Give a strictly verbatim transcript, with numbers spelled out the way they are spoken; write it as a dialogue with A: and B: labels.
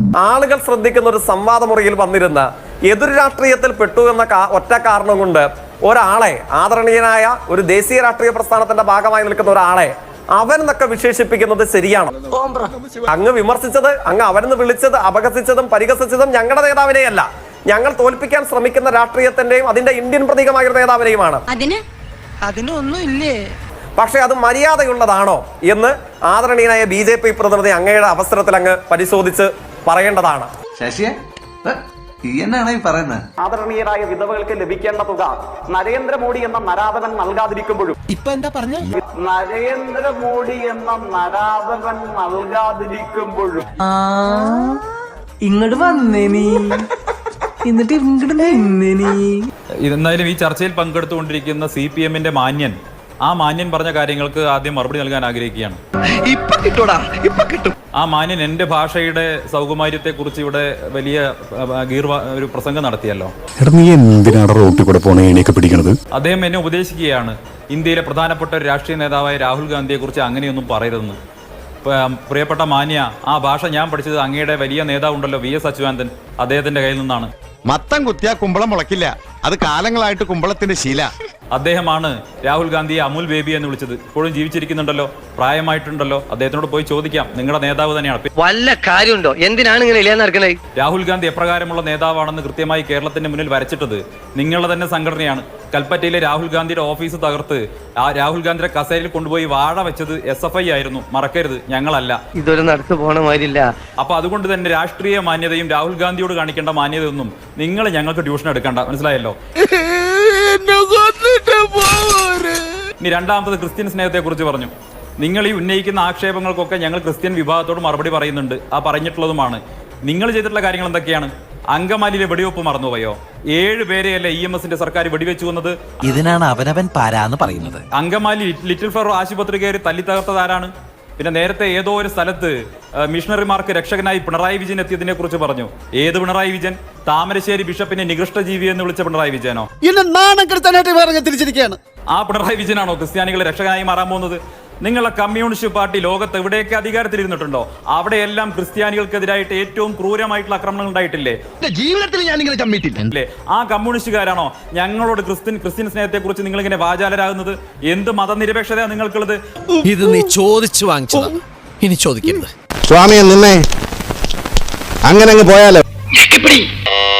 A: ആളുകൾ ശ്രദ്ധിക്കുന്ന ഒരു സംവാദ മുറിയിൽ വന്നിരുന്ന എതിർ രാഷ്ട്രീയത്തിൽ പെട്ടു എന്ന ഒറ്റ കാരണം കൊണ്ട് ഒരാളെ, ആദരണീയനായ ഒരു ദേശീയ രാഷ്ട്രീയ പ്രസ്ഥാനത്തിന്റെ ഭാഗമായി നിൽക്കുന്ന ഒരാളെ അവൻ എന്നൊക്കെ വിശേഷിപ്പിക്കുന്നത് ശരിയാണോ? അങ്ങ് വിമർശിച്ചത്, അങ്ങ് അവനെന്ന് വിളിച്ചത്, അപഹസിച്ചതും പരിഹസിച്ചതും ഞങ്ങളുടെ നേതാവിനെയല്ല, ഞങ്ങൾ തോൽപ്പിക്കാൻ ശ്രമിക്കുന്ന രാഷ്ട്രീയത്തിന്റെയും അതിന്റെ ഇന്ത്യൻ പ്രതീകമായ ഒരു നേതാവിനെയുമാണ്. പക്ഷെ അത് മര്യാദയുള്ളതാണോ എന്ന് ആദരണീയനായ ബി ജെ പി പ്രതിനിധി അങ്ങയുടെ അവസരത്തിൽ അങ്ങ് പരിശോധിച്ച് പറയേണ്ടതാണ്. ആദരണീയരായ വിധവകൾക്ക് ലഭിക്കേണ്ട തുക നരേന്ദ്രമോദി എന്ന നരാധവൻ നൽകാതിരിക്കുമ്പോഴും
B: ഇപ്പൊ എന്താ പറഞ്ഞ
A: നരേന്ദ്രമോദി എന്ന നരാധവൻ നൽകാതിരിക്കുമ്പോഴും
B: ഇങ്ങോട്ട് വന്നേ നീ, എന്നിട്ട് ഇങ്ങോട്ട് നിന്നേ നീ.
C: എന്നാലും ഈ ചർച്ചയിൽ പങ്കെടുത്തുകൊണ്ടിരിക്കുന്ന സി പി എമ്മിന്റെ മാന്യൻ, ആ മാന്യൻ പറഞ്ഞ കാര്യങ്ങൾക്ക് ആദ്യം മറുപടി നൽകാൻ ആഗ്രഹിക്കുകയാണ്. ആ മാന്യൻ എന്റെ ഭാഷയുടെ സൗകുമാര്യത്തെ കുറിച്ച് ഇവിടെ വലിയ ഒരു പ്രസംഗം നടത്തിയല്ലോ. അദ്ദേഹം എന്നെ ഉപദേശിക്കുകയാണ്, ഇന്ത്യയിലെ പ്രധാനപ്പെട്ട ഒരു രാഷ്ട്രീയ നേതാവായ രാഹുൽ ഗാന്ധിയെ കുറിച്ച് അങ്ങനെയൊന്നും പറയരുതെന്ന്. പ്രിയപ്പെട്ട മാന്യ, ആ ഭാഷ ഞാൻ പഠിച്ചത് അങ്ങയുടെ വലിയ നേതാവുണ്ടല്ലോ വി എസ് അച്യുതാനന്ദൻ, അദ്ദേഹത്തിന്റെ കയ്യിൽ നിന്നാണ്.
D: മത്തം കുത്തിയാ കുമ്പളം മുളക്കില്ല, അത് കാലങ്ങളായിട്ട് കുമ്പളത്തിന്റെ ശീല.
C: അദ്ദേഹമാണ് രാഹുൽ ഗാന്ധിയെ അമുൽ ബേബി എന്ന് വിളിച്ചത്. ഇപ്പോഴും ജീവിച്ചിരിക്കുന്നുണ്ടല്ലോ, പ്രായമായിട്ടുണ്ടല്ലോ. അദ്ദേഹത്തിനോട് പോയി ചോദിക്കാം, നിങ്ങളുടെ നേതാവ് തന്നെയാണ്.
E: വല്ല കാര്യമുണ്ടോ? എന്തിനാണ് ഇങ്ങനെ ഇല്ലാന്ന് നടക്കുന്നത്?
C: രാഹുൽ ഗാന്ധി എപ്രകാരമുള്ള നേതാവാണെന്ന് കൃത്യമായി കേരളത്തിന്റെ മുന്നിൽ വരച്ചിട്ടത് നിങ്ങളുടെ തന്നെ സംഘടനയാണ്. കൽപ്പറ്റയിലെ രാഹുൽ ഗാന്ധിയുടെ ഓഫീസ് തകർത്ത് ആ രാഹുൽ ഗാന്ധിയുടെ കസേരയിൽ കൊണ്ടുപോയി വാഴ വെച്ചത് എസ് എഫ് ഐ ആയിരുന്നു, മറക്കരുത്, ഞങ്ങളല്ല.
E: ഇതൊരു നടത്തു പോണ മാതിരില്ല.
C: അപ്പൊ അതുകൊണ്ട് തന്നെ രാഷ്ട്രീയ മാന്യതയും രാഹുൽ ഗാന്ധിയോട് കാണിക്കേണ്ട മാന്യതയൊന്നും നിങ്ങൾ ഞങ്ങൾക്ക് ട്യൂഷൻ എടുക്കണ്ട, മനസ്സിലായല്ലോ. ഇനി രണ്ടാമത്തത് ക്രിസ്ത്യൻ സ്നേഹത്തെ കുറിച്ച് പറഞ്ഞു. നിങ്ങൾ ഈ ഉന്നയിക്കുന്ന ആക്ഷേപങ്ങൾക്കൊക്കെ ഞങ്ങൾ ക്രിസ്ത്യൻ വിഭാഗത്തോട് മറുപടി പറയുന്നുണ്ട്, ആ പറഞ്ഞിട്ടുള്ളതുമാണ്. നിങ്ങൾ ചെയ്തിട്ടുള്ള കാര്യങ്ങൾ എന്തൊക്കെയാണ്? അങ്കമാലിയിലെ വെടിവെപ്പ് മറന്നുപോയോ? ഏഴ് പേരെയല്ലേ ഇ എം എസിന്റെ സർക്കാർ വെടിവെച്ചു വന്നത്?
F: ഇതിനാണ് അവനവൻ പാരാന്ന് പറയുന്നത്.
C: അങ്കമാലി ലിറ്റിൽ ഫ്ലവർ ആശുപത്രി കയറി തല്ലി തകർത്തത് ആരാണ്? പിന്നെ നേരത്തെ ഏതോ ഒരു സ്ഥലത്ത് മിഷണറിമാർക്ക് രക്ഷകനായി പിണറായി വിജയൻ എത്തിയതിനെ കുറിച്ച് പറഞ്ഞു. ഏത് പിണറായി വിജയൻ? താമരശ്ശേരി ബിഷപ്പിനെ നികൃഷ്ട ജീവി എന്ന് വിളിച്ച പിണറായി വിജയനോ? ആ പിണറായി വിജയനാണോ ക്രിസ്ത്യാനികളെ രക്ഷകനായി മാറാൻ പോകുന്നത്? നിങ്ങളുടെ കമ്മ്യൂണിസ്റ്റ് പാർട്ടി ലോകത്ത് എവിടെയൊക്കെ അധികാരത്തിലിരുന്നിട്ടുണ്ടോ അവിടെയെല്ലാം ക്രിസ്ത്യാനികൾക്കെതിരായിട്ട് ഏറ്റവും ക്രൂരമായിട്ടുള്ള ആക്രമണങ്ങൾ ഉണ്ടായിട്ടില്ലേ?
D: ജീവിതത്തിൽ ഞാൻ ഇങ്ങനെ ചമ്മിട്ടില്ലേ?
C: ആ കമ്മ്യൂണിസ്റ്റുകാരാണോ ഞങ്ങളോട് ക്രിസ്ത്യൻ ക്രിസ്ത്യൻ സ്നേഹത്തെ കുറിച്ച് നിങ്ങൾ ഇങ്ങനെ വാചാലരാകുന്നത്? എന്ത് മതനിരപേക്ഷത നിങ്ങൾക്കുള്ളത്?
F: ഇത് നീ ചോദിച്ചു വാങ്ങിച്ചതാ, ഇനി ചോദിക്കരുത്.
D: സ്വാമിയെ നിന്നെ അങ്ങനെ അങ്ങ് പോയാലോ.